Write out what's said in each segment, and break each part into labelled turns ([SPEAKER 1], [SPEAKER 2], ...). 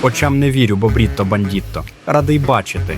[SPEAKER 1] Очам не вірю, Бобрітто Бандітто. Радий бачити.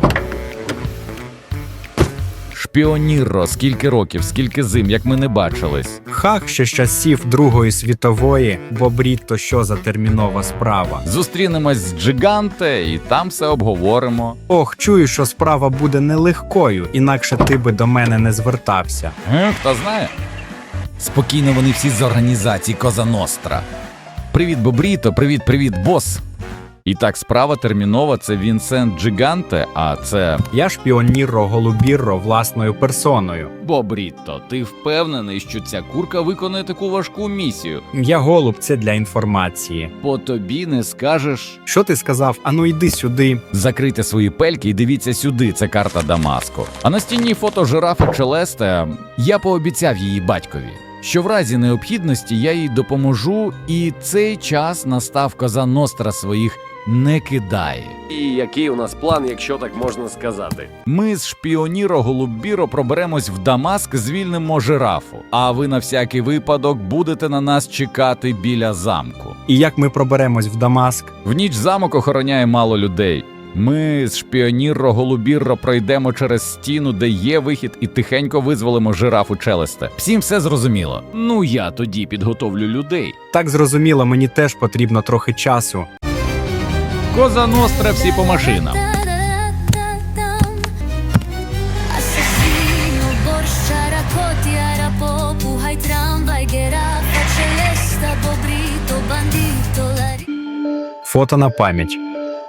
[SPEAKER 2] Шпіонірро, скільки років, скільки зим, як ми не бачились.
[SPEAKER 1] Хах, ще з часів Другої світової. Бобрітто, що за термінова справа.
[SPEAKER 2] Зустрінемось з Джиганте і там все обговоримо.
[SPEAKER 1] Ох, чую, що справа буде нелегкою, інакше ти би до мене не звертався.
[SPEAKER 2] Хто знає? Спокійно, вони всі з організації Коза Ностра. Привіт, Бобрітто, привіт, бос. І так, справа термінова – це Вінсент Джиганте, а це...
[SPEAKER 1] Я шпіонірро Голубірро власною персоною.
[SPEAKER 2] Бобрітто, ти впевнений, що ця курка виконує таку важку місію?
[SPEAKER 1] Я голуб, це для інформації.
[SPEAKER 2] По тобі не скажеш.
[SPEAKER 1] Що ти сказав? Ану йди сюди.
[SPEAKER 2] Закрийте свої пельки і дивіться сюди, це карта Дамаску. А на стіні фото жирафи Челесте. Я пообіцяв її батькові, що в разі необхідності я їй допоможу, і цей час настав. Коза Ностра своїх не кидає.
[SPEAKER 3] І який у нас план, якщо так можна сказати?
[SPEAKER 2] Ми з шпіонірро Голубірро проберемось в Дамаск, звільнимо жирафу, а ви на всякий випадок будете на нас чекати біля замку.
[SPEAKER 1] І як ми проберемось в Дамаск?
[SPEAKER 2] В ніч замок охороняє мало людей. Ми з шпіонірро Голубірро пройдемо через стіну, де є вихід, і тихенько визволимо жирафу Челесте. Всім все зрозуміло? Ну я тоді підготовлю людей.
[SPEAKER 1] Так зрозуміло, мені теж потрібно трохи часу.
[SPEAKER 2] Коза Ностра, всі по машинам.
[SPEAKER 4] Assassino, Borgia, Racotti, Arapopu, hai tramvai, Geraffa, Celesta, Bobrito, Bandito,
[SPEAKER 1] Фото на пам'ять.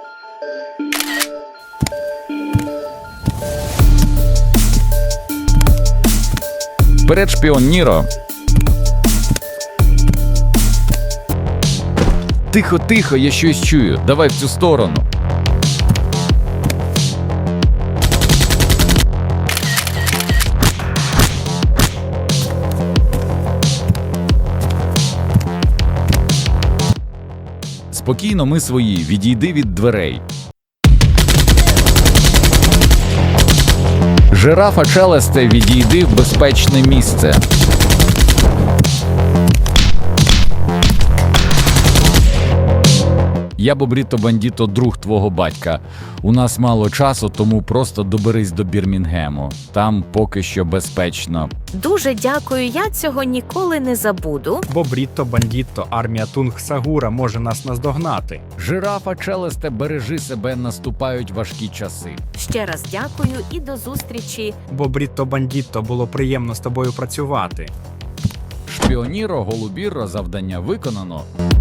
[SPEAKER 2] Вперед, шпіонірро. Тихо, я щось чую. Давай в цю сторону. Спокійно, ми свої. Відійди від дверей. Жирафа Челесте, відійди в безпечне місце. Я Бобрітто Бандітто, друг твого батька. У нас мало часу, тому просто доберись до Бірмінгему. Там поки що безпечно.
[SPEAKER 5] Дуже дякую, я цього ніколи не забуду.
[SPEAKER 1] Бобрітто Бандітто, армія Тунг-Сагура може нас наздогнати.
[SPEAKER 2] Жирафа Челесте, бережи себе, наступають важкі часи.
[SPEAKER 5] Ще раз дякую і до зустрічі.
[SPEAKER 1] Бобрітто Бандітто, було приємно з тобою працювати.
[SPEAKER 2] Шпіонірро Голубірро, завдання виконано.